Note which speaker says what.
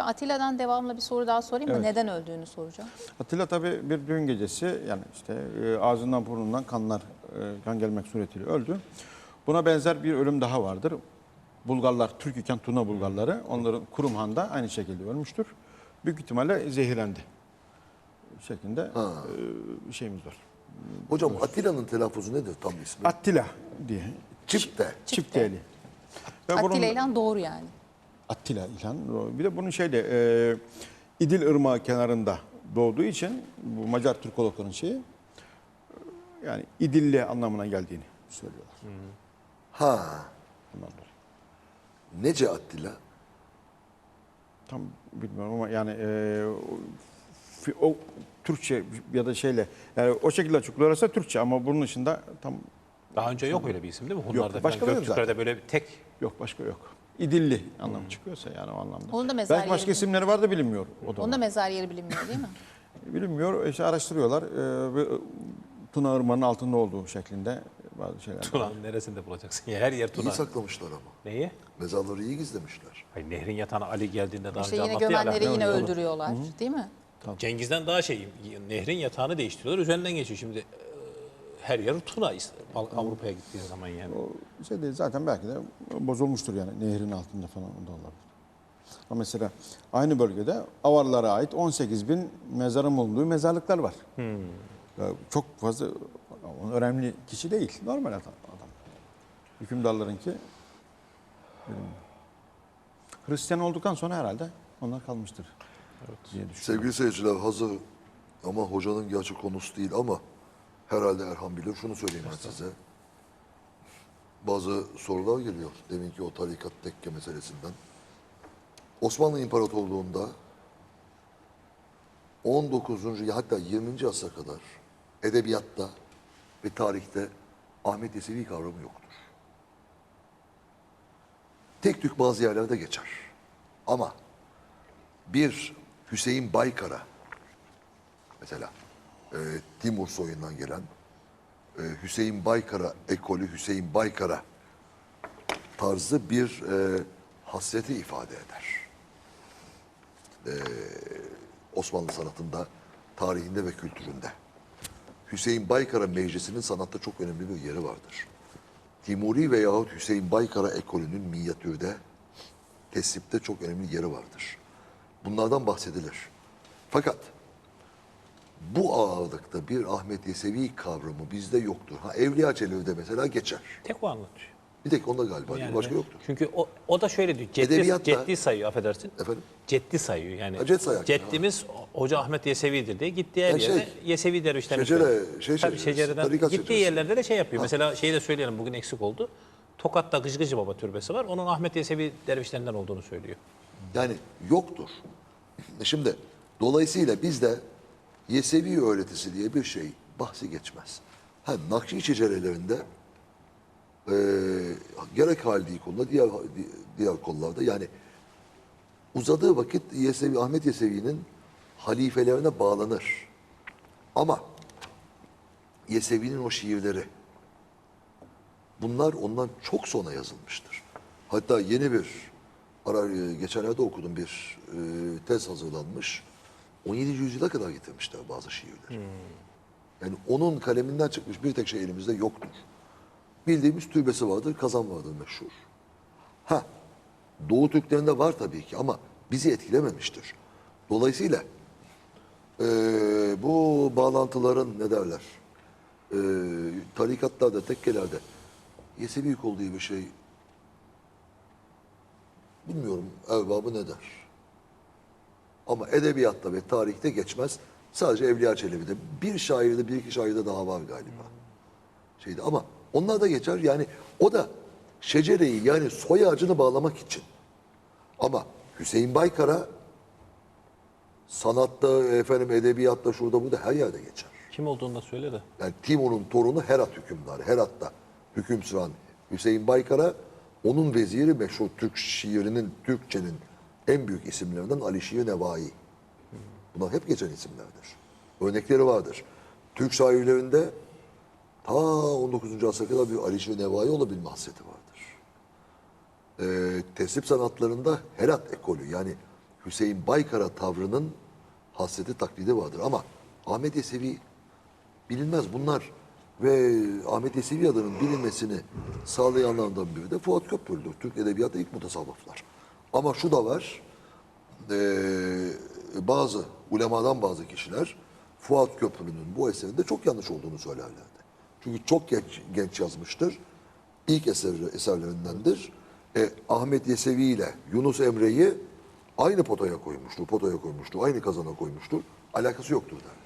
Speaker 1: Hocam Atilla'dan devamlı bir soru daha sorayım mı?
Speaker 2: Evet.
Speaker 1: Neden öldüğünü soracağım.
Speaker 2: Atilla tabii bir düğün gecesi, yani işte ağzından burnundan kan gelmek suretiyle öldü. Buna benzer bir ölüm daha vardır. Bulgarlar, Türk iken Tuna Bulgarları, onların Kurumhan'da aynı şekilde ölmüştür. Büyük ihtimalle zehirlendi şeklinde şeyimiz var.
Speaker 3: Hocam Atilla'nın telaffuzu nedir tam ismi?
Speaker 2: Attila diye.
Speaker 3: Çipte.
Speaker 2: Çipteli. Ve bunun-
Speaker 1: Atilla İlhan doğru yani.
Speaker 2: Attila İlhan. Bir de bunun İdil Irmağı kenarında doğduğu için bu Macar Türkologların şeyi, yani İdilli anlamına geldiğini söylüyorlar.
Speaker 3: Ha.
Speaker 2: Bundan dolayı.
Speaker 3: Nece Attila?
Speaker 2: Tam bilmiyorum ama yani o Türkçe ya da yani o şekilde açıklıyorlarsa Türkçe, ama bunun dışında tam
Speaker 4: Daha önce yok öyle bir isim değil mi? Hunlarda
Speaker 2: başka
Speaker 4: falan,
Speaker 2: yok
Speaker 4: Göktürk'lerde
Speaker 2: zaten.
Speaker 4: böyle bir tek
Speaker 2: yok, başka yok. İdilli anlamı çıkıyorsa yani o anlamda.
Speaker 1: Onun da mezar
Speaker 2: Belki başka
Speaker 1: yeri-
Speaker 2: isimleri var da bilinmiyor. O da
Speaker 1: Onun da mezar yeri bilinmiyor değil mi?
Speaker 2: bilinmiyor. İşte araştırıyorlar. Tuna Irmağı'nın altında olduğu şeklinde bazı şeyler.
Speaker 4: Tuna'nın neresinde bulacaksın? Ya her yer
Speaker 3: İyi
Speaker 4: Tuna.
Speaker 3: saklamışlar ama.
Speaker 4: Neyi?
Speaker 3: Mezarları iyi gizlemişler.
Speaker 4: Hayır, nehrin yatağına Ali geldiğinde daha
Speaker 1: İşte
Speaker 4: önce
Speaker 1: yine
Speaker 4: anlattı ya.
Speaker 1: gömenleri
Speaker 4: Ala.
Speaker 1: yine öldürüyorlar değil mi?
Speaker 4: Cengiz'den daha nehrin yatağını değiştiriyorlar. Üzerinden geçiyor şimdi. Her yer Tuna Avrupa'ya gittiği zaman yani.
Speaker 2: O şey değil zaten, belki de bozulmuştur yani nehrin altında falan, o da olabilir. Ama mesela aynı bölgede Avarlara ait 18.000 mezarın bulunduğu mezarlıklar var. Ya çok fazla önemli kişi değil, normal adam. Hükümdarlarınki bilmiyorum. Hristiyan olduktan sonra herhalde onlar kalmıştır diye düşünüyorum.
Speaker 3: Sevgili seyirciler, hazır ama hocanın gerçi konusu değil ama herhalde Erhan bilir. Şunu söyleyeyim ben size. Bazı sorular geliyor. Deminki o tarikat tekke meselesinden. Osmanlı İmparatorluğu'nda 19. hatta 20. asra kadar edebiyatta ve tarihte Ahmet Yesevi kavramı yoktur. Tek tük bazı yerlerde geçer. Ama bir Hüseyin Baykara, mesela Timur soyundan gelen Hüseyin Baykara ekolü, Hüseyin Baykara tarzı bir hasreti ifade eder. Osmanlı sanatında, tarihinde ve kültüründe. Hüseyin Baykara meclisinin sanatta çok önemli bir yeri vardır. Timuri veyahut Hüseyin Baykara ekolünün minyatürde, tesipte çok önemli yeri vardır. Bunlardan bahsedilir. Fakat bu ağırlıkta bir Ahmet Yesevi kavramı bizde yoktur. Ha, Evliya Çelebi'de mesela geçer.
Speaker 4: Tek o anlatıyor.
Speaker 3: Bir tek onda galiba.
Speaker 4: Yani
Speaker 3: Başka yoktur.
Speaker 4: Çünkü o da şöyle diyor.
Speaker 3: Edebiyatta-
Speaker 4: Ciddi sayıyor, affedersin.
Speaker 3: Efendim?
Speaker 4: Ciddi sayıyor yani.
Speaker 3: Ha, cet sayar.
Speaker 4: Ceddimiz Hoca Ahmet Yesevi'dir diye gittiği her
Speaker 3: Yani
Speaker 4: yerde Yesevi dervişlerini
Speaker 3: şecere-
Speaker 4: söylüyor.
Speaker 3: şey
Speaker 4: Tabii
Speaker 3: şeceresi,
Speaker 4: şecereden
Speaker 3: tarikat
Speaker 4: gittiği
Speaker 3: şeceresi.
Speaker 4: yerlerde de şey yapıyor. Mesela şeyi de söyleyelim, bugün eksik oldu. Tokat'ta Gıcgıcı Baba türbesi var. Onun Ahmet Yesevi dervişlerinden olduğunu söylüyor.
Speaker 3: Yani yoktur. Şimdi dolayısıyla bizde Yesevi öğretisi diye bir şey bahsi geçmez. Ha, Nakşi şecerelerinde gerek Halidi konuda diğer konularda yani uzadığı vakit Ahmet Yesevi'nin halifelerine bağlanır. Ama Yesevi'nin o şiirleri bunlar ondan çok sonra yazılmıştır. Hatta yeni bir geçenlerde okudum bir tez hazırlanmış. 17. yüzyıla kadar getirmişler bazı şiirleri. Yani onun kaleminden çıkmış bir tek şey elimizde yoktur. Bildiğimiz türbesi vardır, kazan vardır meşhur. Ha, Doğu Türklerinde var tabii ki ama bizi etkilememiştir. Dolayısıyla bu bağlantıların ne derler? Tarikatlarda, tekkelerde Yesevi kol diye bir şey bilmiyorum erbabı ne der. Ama edebiyatta ve tarihte geçmez. Sadece Evliya Çelebi'de. Bir şairde, bir iki şairde daha var galiba. Ama onlar da geçer. Yani o da şecereyi yani soy ağacını bağlamak için. Ama Hüseyin Baykara sanatta, edebiyatta, şurada burada her yerde geçer.
Speaker 4: Kim olduğunu da söyle de.
Speaker 3: Yani Timur'un torunu Herat hükümdarı. Herat'ta hüküm süren Hüseyin Baykara, onun veziri meşhur Türk şiirinin, Türkçenin en büyük isimlerinden Ali Şiir Nevai. Bunlar hep geçen isimlerdir. Örnekleri vardır. Türk şairlerinde ta 19. asra kadar bir Ali Şiir Nevai olabilme hasreti vardır. Tesip sanatlarında Herat ekolü yani Hüseyin Baykara tavrının hasreti taklidi vardır. Ama Ahmet Yesevi bilinmez bunlar. Ve Ahmet Yesevi adının bilinmesini sağlayanlardan biri de Fuat Köprülü'dür. Türk Edebiyatı'nda ilk mutasavvıflar. Ama şu da var, bazı ulemadan bazı kişiler Fuat Köprülü'nün bu eserinde çok yanlış olduğunu söylerlerdi. Çünkü çok genç yazmıştır. İlk eserlerindendir. Ahmet Yesevi ile Yunus Emre'yi aynı potaya koymuştur, aynı kazana koymuştur. Alakası yoktur der.